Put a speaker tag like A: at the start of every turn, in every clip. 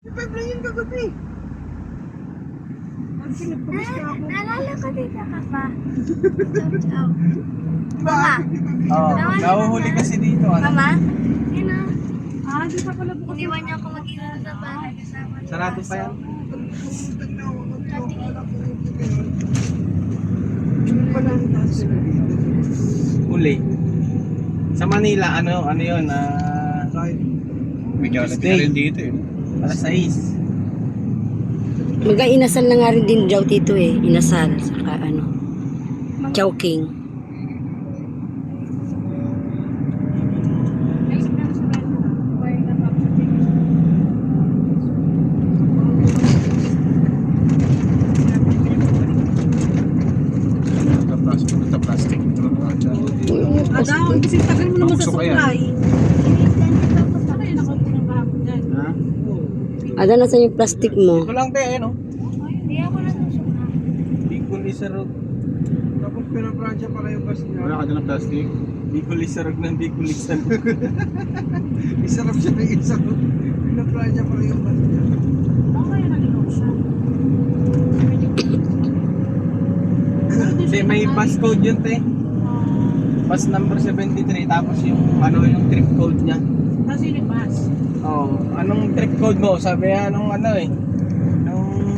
A: Five lang yun kagabi. Ang pinagpabis ka ako.
B: Naalala ko dito ka pa. Chow chow. Mama.
C: Oo, nahuhuli kasi dito. Ano?
B: Mama? Yun na.
A: Di pa pala bukas.
B: Iniwan niyo ako mag-iwan sa bahay. Kasama ni
C: Sarado pa yan. Huli. Sa Manila, ano yun?
D: Tuesday. Dito eh.
C: Alas 6.
E: Inasal na nga rin din daw dito eh. Inasal. Saka ano. Chowking.
D: Plastic.
A: Ang kasi tagal mo naman sa
D: Gusto ko yan.
A: supply.
C: Ha?
E: Ada na sa yung plastic mo.
C: Ito lang tayo, ano?
B: Hindi ako nasusuka.
C: Bicol Isarog.
A: Tapos pinapransya para yung bus niya.
D: Wala ka dyan ng plastic?
C: Bicol Isarog ng Bicol Isarog.
A: Isarap siya ng isarap. Pinapransya para yung bus niya.
C: Kasi may bus code yun, te. Bus number 73, tapos yung yung trip code niya.
A: Kasi yung bus.
C: Oh, anong trip code mo? Sabi anong nung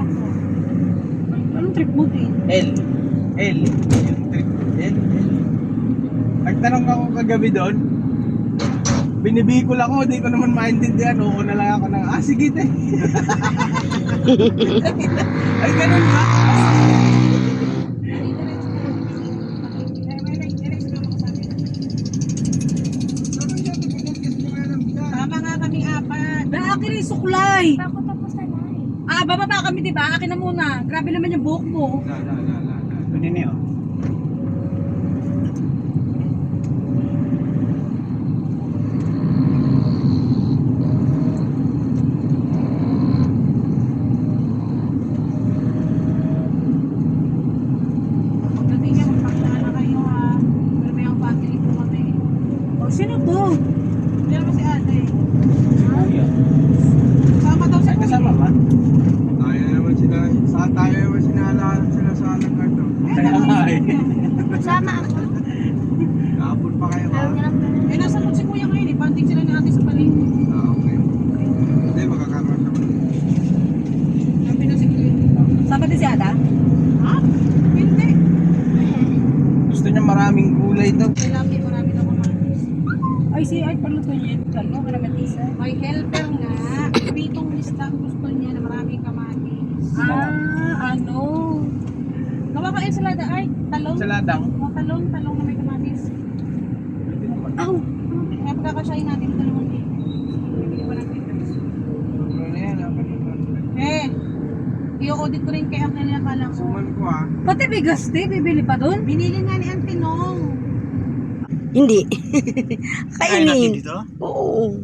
A: Anong trip mo din?
C: L. Yung trip L. Nagtanong ako kagabi doon. Binibikol ako, di ko naman maintindihan. Oo na lang ako ng, sige te. Ay, ganun ba?
A: Tama nga kami apat. Akin yung suklay.
B: Ako tapos na na.
A: Bababa kami diba? Akin na muna. Grabe naman yung buhok mo.
D: Ano niyo?
A: Pagdating niya, magpakilala kayo ha. Pero may ang family po kami. Sino to? Hindi naman si ate. Sama daw
C: Ay,
A: siya.
C: kasama ba?
A: Tayo naman sinala sila sa alang karto.
C: Kaya nga eh.
B: Kasama ako.
A: Kapon pa kayo
B: Ayaw niya lang pala.
A: nasa si kuya ngayon eh. Banding sila ni ate sa paling. Okay. Hindi, makakaroon siya. Sabi na si kuya. Sama din si Ada? Ha? Hindi.
C: Gusto niya maraming gulay daw.
A: Marami na kumatis. Ay, ay, paluto niya. Ano, karamatisa? May helper nga. Pritong lista ang gusto niya na maraming kamatis. Ano? Gawa ka ensalada ay, talong.
C: Sa ladang.
A: O, talong na may kamatis.
C: Pwede naman.
A: Kaya pagkakasyahin natin ito naman eh. Bibili ko ng pitas.
C: Ano yan?
A: I-audit ko rin kay ang nilakala ko.
C: Suman ko ah.
A: Pati bigas bibili pa doon? Binili nga ni Antinong.
E: Hindi.
D: Kain natin
E: Kainin.
D: dito?
E: Oo.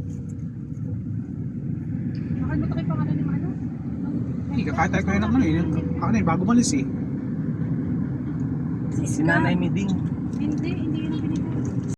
A: Nakalimutan ko yung pangalan ni Mano.
D: Hindi, kakatay ko yun naman eh. Ako na eh, bago malis eh.
C: Si Nanay Miding.
A: Hindi yun ang binili.